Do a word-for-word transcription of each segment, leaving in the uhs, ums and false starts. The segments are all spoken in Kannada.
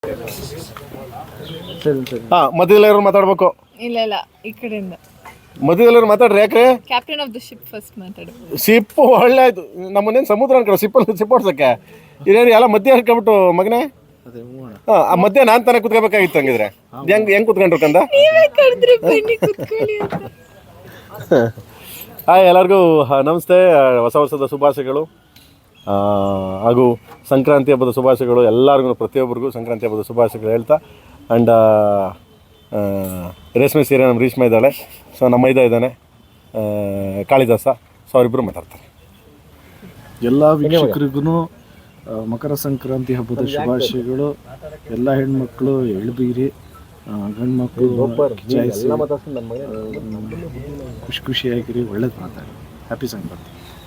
ಹಾ ಮಧ್ಯದಲ್ಲಿ ಮಾತಾಡ್ಬೇಕು. ಇಲ್ಲ ಇಲ್ಲ ಈ ಕಡೆಯಿಂದ ಮಧ್ಯದಲ್ಲಿ ಮಾತಾಡ್ರಿ. ಯಾಕ್ರೆ captain of the ship first ಮಾತಾಡು. ಶಿಪ್ ಒಳ್ಳೆ ಆಯ್ತು. ನಮ್ಮನ್ನೇನು ಸಮುದ್ರ ಅನ್ಕೊಳ್ಳೋ ಶಿಪ್ಪಲ್ಲಿ ಶಿಪ್ ಓಡ್ಸಕ್ಕೆ ಇದೇನು ಎಲ್ಲ ಮಧ್ಯ ಹಾಕ್ಬಿಟ್ಟು ಮಗನೇ. ಹಾ ಆ ಮಧ್ಯ ನಾನು ತಾನೇ ಕುತ್ಕೋಬೇಕಾಗಿತ್ತು. ಹಂಗಿದ್ರೆ ಹೆಂಗ್ ಹೆಂಗ್ ಕುತ್ಕೊಂಡ್ರು ಕಂದ. ಹಾಯ್ ಎಲ್ಲರಿಗೂ ನಮಸ್ತೆ. ಹೊಸ ವರ್ಷದ ಶುಭಾಶಯಗಳು ಹಾಗೂ ಸಂಕ್ರಾಂತಿ ಹಬ್ಬದ ಶುಭಾಶಯಗಳು ಎಲ್ಲರಿಗೂ. ಪ್ರತಿಯೊಬ್ಬರಿಗೂ ಸಂಕ್ರಾಂತಿ ಹಬ್ಬದ ಶುಭಾಶಯಗಳು ಹೇಳ್ತಾ ಆ್ಯಂಡ್ ರೇಷ್ಮೆ ಸೀರೆ ನಮ್ಮ ರೇಷ್ಮೆ ಇದ್ದಾಳೆ. ಸೊ ನಮ್ಮ ಮೈದ ಇದ್ದಾನೆ ಕಾಳಿದಾಸ. ಸೊ ಅವರಿಬ್ಬರು ಮಾತಾಡ್ತಾರೆ. ಎಲ್ಲ ವೀಕ್ಷಕರಿಗೂ ಮಕರ ಸಂಕ್ರಾಂತಿ ಹಬ್ಬದ ಶುಭಾಶಯಗಳು. ಎಲ್ಲ ಹೆಣ್ಮಕ್ಳು ಎಳ್ಬೀರಿ, ಗಂಡು ಮಕ್ಕಳು ಖುಷಿ ಖುಷಿಯಾಗಿರಿ, ಒಳ್ಳೇದು ಮಾತಾಡಿ. ಹ್ಯಾಪಿ ಸಂಕ್ರಾಂತಿ.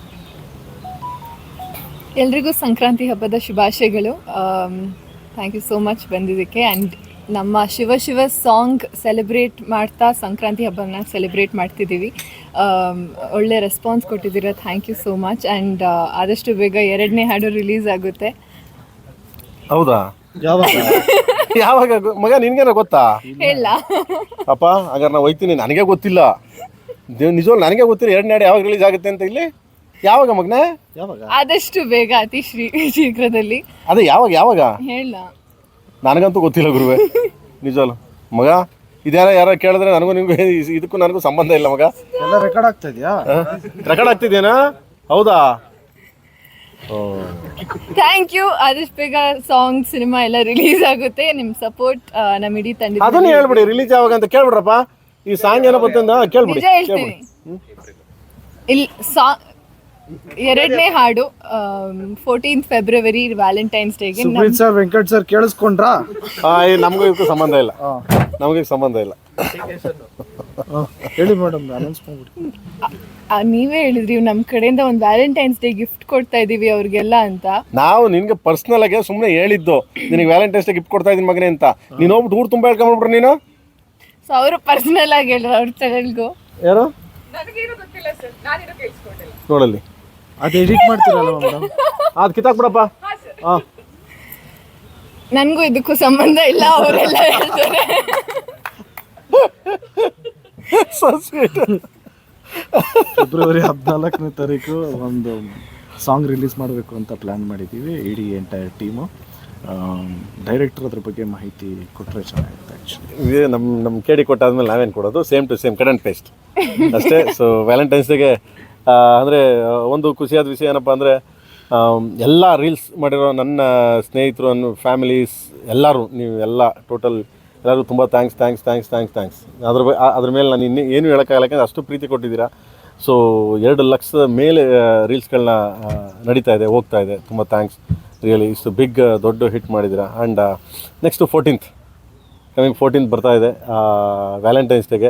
ಎಲ್ರಿಗೂ ಸಂಕ್ರಾಂತಿ ಹಬ್ಬದ ಶುಭಾಶಯಗಳು. ಥ್ಯಾಂಕ್ ಯು ಸೋ ಮಚ್ ಬಂದಿದ್ದಕ್ಕೆ. ಆ್ಯಂಡ್ ನಮ್ಮ ಶಿವ ಶಿವ ಸಾಂಗ್ ಸೆಲೆಬ್ರೇಟ್ ಮಾಡ್ತಾ ಸಂಕ್ರಾಂತಿ ಹಬ್ಬನ ಸೆಲೆಬ್ರೇಟ್ ಮಾಡ್ತಿದ್ದೀವಿ. ಒಳ್ಳೆ ರೆಸ್ಪಾನ್ಸ್ ಕೊಟ್ಟಿದ್ದೀರಾ, thank you so much. And ಆದಷ್ಟು ಬೇಗ ಎರಡನೇ ಹಾಡು ರಿಲೀಸ್ ಆಗುತ್ತೆ. ಹೌದಾ? ಯಾವಾಗ ಯಾವಾಗ ಮಗ ನಿನ್ಗೇನೋ ಗೊತ್ತಾ? ಹೇಳ ಅಪ್ಪ ಹಾಗಾದ್ರೆ ನಾವು ಹೋಯ್ತೀನಿ. ನನಗೆ ಗೊತ್ತಿಲ್ಲ, ನಿಜವಾಗ್ಲೂ ನನಗೆ ಗೊತ್ತಿಲ್ಲ ಎರಡನೇ ಹಾಡು ಯಾವಾಗ ರಿಲೀಸ್ ಆಗುತ್ತೆ ಅಂತ. ಇಲ್ಲಿ ಯಾವಾಗ ಮಗನೇ? ಯಾವಾಗ? ಆದಷ್ಟು ಬೇಗ, ಅತಿ ಶ್ರೀ ಶೀಘ್ರದಲ್ಲಿ. ಅದೇ ಯಾವಾಗ ಯಾವಾಗ ಹೇಳ? ನನಗಂತೂ ಗೊತ್ತಿಲ್ಲ ಗುರುವೆ, ನಿಜವಲ್ಲ ಮಗ. ಇದ್ಯಾರ ಯಾರ ಕೇಳಿದ್ರೆ ನನಗೂ ನಿಮ್ಗೆ ಇದಕ್ಕೂ ನನಗೂ ಸಂಬಂಧ ಇಲ್ಲ ಮಗ. ಎಲ್ಲ ರೆಕಾರ್ಡ್ ಆಗ್ತಾ ಇದೆಯಾ? ರೆಕಾರ್ಡ್ ಆಗ್ತಿದೇನಾ? ಹೌದಾ? Thank you. ಆದಷ್ಟು ಬೇಗ ಸಾಂಗ್ ಸಿನಿಮಾ ಎಲ್ಲ ರಿಲೀಸ್ ಆಗುತ್ತೆ. ನಿಮ್ಮ ಸಪೋರ್ಟ್ ನಮ್ಮ ಇಡೀ ತಂಡ. ಅದನ್ನ ಹೇಳ್ಬಿಡಿ, ರಿಲೀಸ್ ಯಾವಾಗ ಅಂತ ಕೇಳ್ಬಿಡ್ರಪ್ಪ. ಈ ಸಾಂಗ್ ಏನೋ ಗೊತ್ತಿಂದ ಕೇಳ್ಬಿಡಿ. ನಿಜ ಹೇಳ್ತೀನಿ. ಇಲ್ಲಿ ಸಾ ಎರಡನೇ ಹಾಡು ಫೋರ್ಟೀನ್ತ್ ಫೆಬ್ರವರಿ ವ್ಯಾಲೆಂಟೈನ್ಸ್ ಡೇಗೆ. ಸುಪ್ರೀತ್ ಸರ್, ವೆಂಕಟ್ ಸರ್ ಕೇಳಿಸ್ಕೊಂಡ್ರಾ? ನಮಗೂ ಇದಕ್ಕೂ ಸಂಬಂಧ ಇಲ್ಲ, ನಮಗೆ ಸಂಬಂಧ ಇಲ್ಲ. ಹೇಳಿ ಮೇಡಮ್, ಅನೌನ್ಸ್ ಮಾಡ್ಬಿಡಿ. ನೀವೇ ಹೇಳಿದ್ರಿ ನಮ್ಮ ಕಡೆಯಿಂದ ಒಂದು ವ್ಯಾಲೆಂಟೈನ್ಸ್ ಡೇ ಗಿಫ್ಟ್ ಕೊಡ್ತಾ ಇದೀವಿ ಅವ್ರಿಗೆಲ್ಲ ಅಂತ. ನಾವು ನಿನ್ಗೆ ಪರ್ಸನಲ್ ಆಗಿ ಸುಮ್ಮನೆ ಹೇಳಿದ್ದು, ನಿನಗೆ ವ್ಯಾಲೆಂಟೈನ್ಸ್ ಡೇ ಗಿಫ್ಟ್ ಕೊಡ್ತಾ ಇದೀನಿ ಮಗನೇ ಅಂತ. ನೀನು ಹೋಗ್ಬಿಟ್ಟು ಊರು ತುಂಬ ಹೇಳ್ಕೊಂಡ್ಬಿಟ್ರು ನೀನು. ಸೊ ಅವರು ಪರ್ಸನಲ್ ಆಗಿ ಹೇಳಿದ್ರು ಅವ್ರ ಚಾನೆಲ್ಗೂ. ಯಾರು ನೋಡಲ್ಲಿ ಅದು ಎಡಿಟ್ ಮಾಡ್ತೀರಲ್ಲ ಮೇಡಮ್, ಅದು ಕಿತ್ತಾಕ್ಬಿಡಪ್ಪ. ಹಾಂ, ನನಗೂ ಇದಕ್ಕೂ ಸಂಬಂಧ ಇಲ್ಲ, ಅವರೆಲ್ಲ ಹೇಳ್ತಾರೆ. ಫೆಬ್ರವರಿ ಹದಿನಾಲ್ಕನೇ ತಾರೀಕು ಒಂದು ಸಾಂಗ್ ರಿಲೀಸ್ ಮಾಡಬೇಕು ಅಂತ ಪ್ಲ್ಯಾನ್ ಮಾಡಿದ್ದೀವಿ, ಇಡೀ ಎಂಟೈರ್ ಟೀಮು. ಡೈರೆಕ್ಟರ್ ಅದ್ರ ಬಗ್ಗೆ ಮಾಹಿತಿ ಕೊಟ್ಟರೆ ಚೆನ್ನಾಗಿರುತ್ತೆ. ಆ್ಯಕ್ಚುಲಿ ಇದೇ ನಮ್ಮ ನಮ್ಮ ಕೇಳಿ ಕೊಟ್ಟಾದ್ಮೇಲೆ ನಾವೇನು ಕೊಡೋದು, same to same cut and paste ಅಷ್ಟೇ. ಸೊ ವ್ಯಾಲೆಂಟೈನ್ಸ್ ಡೇಗೆ ಅಂದರೆ ಒಂದು ಖುಷಿಯಾದ ವಿಷಯ ಏನಪ್ಪ ಅಂದರೆ, ಎಲ್ಲ ರೀಲ್ಸ್ ಮಾಡಿರೋ ನನ್ನ ಸ್ನೇಹಿತರು, ನನ್ನ ಫ್ಯಾಮಿಲೀಸ್ ಎಲ್ಲರೂ, ನೀವು ಎಲ್ಲ ಟೋಟಲ್ ಎಲ್ಲರೂ ತುಂಬ thanks thanks thanks thanks thanks ಅದ್ರ ಬ ಅದ್ರ ಮೇಲೆ ನಾನು ಇನ್ನೂ ಏನು ಹೇಳೋಕ್ಕಾಗಲ್ಲ, ಯಾಕಂದರೆ ಅಷ್ಟು ಪ್ರೀತಿ ಕೊಟ್ಟಿದ್ದೀರಾ. ಸೊ ಎರಡು ಲಕ್ಷದ ಮೇಲೆ ರೀಲ್ಸ್ಗಳನ್ನ ನಡೀತಾ ಇದೆ, ಹೋಗ್ತಾ ಇದೆ. ತುಂಬ ಥ್ಯಾಂಕ್ಸ್ ರಿಯಲಿ. ಇಷ್ಟು ಬಿಗ್ ದೊಡ್ಡ ಹಿಟ್ ಮಾಡಿದ್ದೀರಾ. And next fourteenth coming fourteenth ಬರ್ತಾ ಇದೆ ವ್ಯಾಲೆಂಟೈನ್ಸ್ ಡೇಗೆ.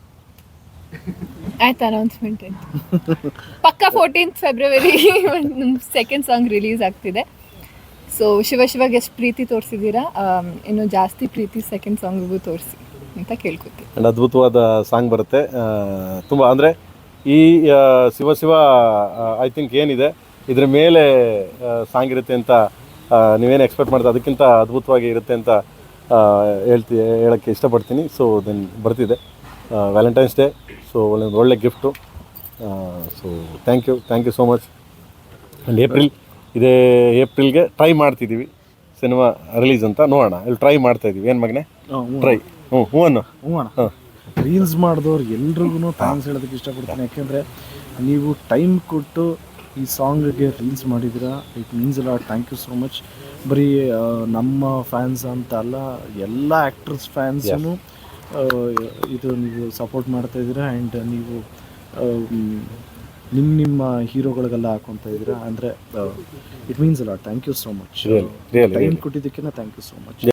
ಆಯ್ತು, ಅನೌನ್ಸ್ಮೆಂಟ್ ಆಯ್ತು. ಪಕ್ಕ ಫೋರ್ಟೀನ್ತ್ ಫೆಬ್ರವರಿ ನಮ್ಮ ಸೆಕೆಂಡ್ ಸಾಂಗ್ ರಿಲೀಸ್ ಆಗ್ತಿದೆ. ಸೊ ಶಿವ ಶಿವಾಗ ಎಷ್ಟು ಪ್ರೀತಿ ತೋರಿಸಿದ್ದೀರಾ, ಇನ್ನೂ ಜಾಸ್ತಿ ಪ್ರೀತಿ ಸೆಕೆಂಡ್ ಸಾಂಗಿಗೂ ತೋರಿಸಿ ಅಂತ ಕೇಳ್ಕೊತೀವಿ. ಆ್ಯಂಡ್ ಅದ್ಭುತವಾದ ಸಾಂಗ್ ಬರುತ್ತೆ ತುಂಬ. ಅಂದರೆ ಈ ಶಿವ ಶಿವ ಐ ಥಿಂಕ್ ಏನಿದೆ ಇದ್ರ ಮೇಲೆ ಸಾಂಗ್ ಇರುತ್ತೆ ಅಂತ ನೀವೇನು ಎಕ್ಸ್ಪೆಕ್ಟ್ ಮಾಡ್ತೀವಿ, ಅದಕ್ಕಿಂತ ಅದ್ಭುತವಾಗಿ ಇರುತ್ತೆ ಅಂತ ಹೇಳ್ತಿ ಹೇಳೋಕ್ಕೆ ಇಷ್ಟಪಡ್ತೀನಿ. ಸೊ ದೆನ್ ಬರ್ತಿದೆ ವ್ಯಾಲೆಂಟೈನ್ಸ್ ಡೇ. ಸೊ ಒಳ್ಳೆ ಒಳ್ಳೆ gift. So thank you thank you so much. And April ಇದೇ ಏಪ್ರಿಲ್ಗೆ ಟ್ರೈ ಮಾಡ್ತಿದ್ದೀವಿ ಸಿನಿಮಾ ರಿಲೀಸ್ ಅಂತ. ನೋಡೋಣ, ಇಲ್ಲಿ ಟ್ರೈ ಮಾಡ್ತಾಯಿದ್ದೀವಿ. ಏನು ಮಗನೇ ಟ್ರೈ? ಹ್ಞೂ ಹ್ಞೂ ಅನ್ನು ಹ್ಞೂ ಅಣ್ಣ. ಹಾಂ, ರೀಲ್ಸ್ ಮಾಡಿದವ್ರು ಎಲ್ರಿಗೂ ಥ್ಯಾಂಕ್ಸ್ ಹೇಳೋದಕ್ಕೆ ಇಷ್ಟಪಡ್ತೀನಿ. ಯಾಕೆಂದರೆ ನೀವು ಟೈಮ್ ಕೊಟ್ಟು ಈ ಸಾಂಗ್ಗೆ ರೀಲ್ಸ್ ಮಾಡಿದ್ದೀರಾ, ಇಟ್ ಮೀನ್ಸ್ ಅಲ್ಲ. Thank you so much. ಬರೀ ನಮ್ಮ ಫ್ಯಾನ್ಸ್ ಅಂತ ಅಲ್ಲ, ಎಲ್ಲ ಆ್ಯಕ್ಟರ್ಸ್ ಫ್ಯಾನ್ಸೂ ಇದು ನೀವು ಸಪೋರ್ಟ್ ಮಾಡ್ತಾಯಿದ್ದೀರಾ. ಆ್ಯಂಡ್ ನೀವು ನಿಮ್ಮ ನಿಮ್ಮ ಹೀರೋಗಳಿಗೆಲ್ಲ ಹಾಕೊತಾ ಇದ್ದೀರಾ. ಅಂದರೆ ಇಟ್ ಮೀನ್ಸ್ ಅಲ್ಲ. Thank you so much. Time ಕೊಟ್ಟಿದ್ದಕ್ಕಿಂತ ಥ್ಯಾಂಕ್ ಯು ಸೋ ಮಚ್.